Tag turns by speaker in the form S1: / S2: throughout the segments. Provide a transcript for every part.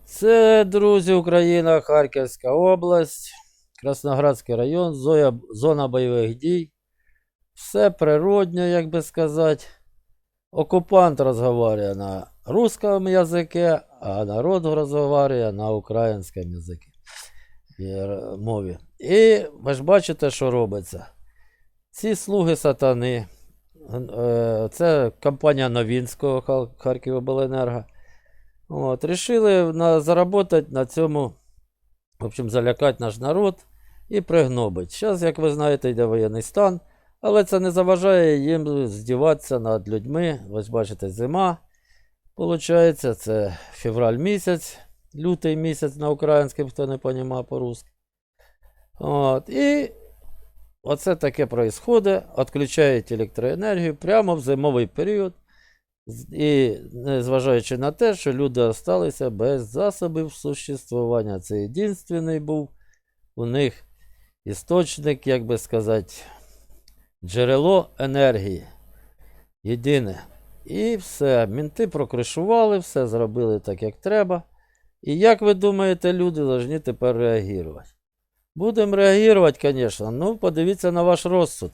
S1: Це, друзі, Україна, Харківська область, Красноградський район, зона бойових дій. Все природньо, як би сказати. Окупант розмовляє на русском язикі, а народ розмовляє на українському язикі, мові. І ви ж бачите, що робиться. Ці слуги сатани, це компанія Новинського, Харківобленерго, рішили заробити на цьому, в общем, залякати наш народ і пригнобити. Зараз, як ви знаєте, йде воєнний стан, але це не заважає їм здіватися над людьми. Ось бачите, зима, виходить, це февраль місяць, лютий місяць на українському, хто не розуміє по-русски. І оце таке відбувається, відключають електроенергію прямо в зимовий період. І незважаючи на те, що люди залишилися без засобів существування. Це єдиний був у них істочник, як би сказати, джерело енергії. Єдине. І все, мінти прокришували, все зробили так, як треба. І як ви думаєте, люди повинні тепер реагувати? Будемо реагувати, звісно, ну подивіться на ваш розсуд.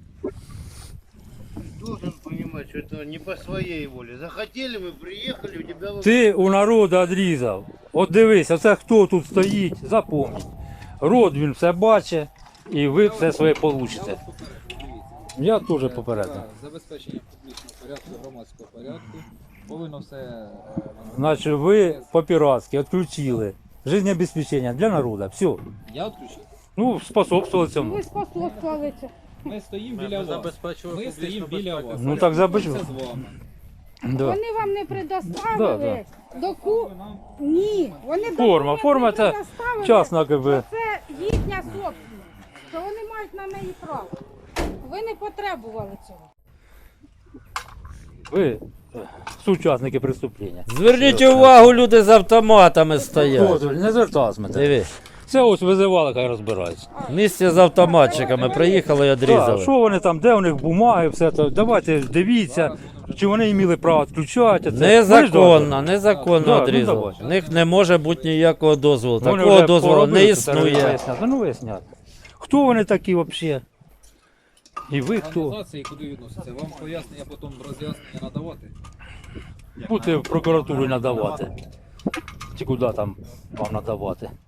S2: Должен понимать, что это не по своей воле. Захотели мы, приехали, у тебя...
S3: Ти у народу відрізав. От дивись, оце хто тут стоїть, запомніть. Род він все бачить, і ви все своє получите. Я теж попередив.
S4: Забезпечення публічного порядку, громадського порядку. Повинно все...
S3: Значить, ви по-піратськи відключили життєобезпечення для народу. Все.
S4: Я відключив.
S3: Ну, способствували цьому.
S5: Ви способствували цьому.
S4: Ми стоїмо біля вас. Ми стоїмо біля вас.
S3: Ну так забезпечили.
S4: Це з вами.
S3: Да.
S5: Вони вам не предоставили Ні, вони
S3: Форма
S5: не
S3: це
S5: предоставили,
S3: частна, якби.
S5: що це їхня собственність, що вони мають на неї право. Ви не потребували цього.
S3: Ви сучасники преступлення.
S1: Зверніть увагу, люди з автоматами стоять.
S3: Не звертався мене.
S1: Дивись,
S3: Це ось визивали, хай розбираються.
S1: в місті з автоматчиками приїхали і
S3: Так,
S1: відрізали.
S3: що вони там, де у них бумаги, все це. Давайте дивіться, чи вони мали право відключати.
S1: Незаконно
S3: Да,
S1: відрізали.
S3: давайте.
S1: В них не може бути ніякого дозволу.
S3: Вони
S1: Такого
S3: вже
S1: дозволу
S3: поробили,
S1: не
S3: це треба
S1: існує.
S3: виясняти. Ну виясняти. Хто вони такі взагалі? І ви хто?
S4: Організації куди відносяться? Вам пояснення, потім роз'яснення надавати?
S3: Будете в прокуратуру надавати. Чи куди там вам надавати?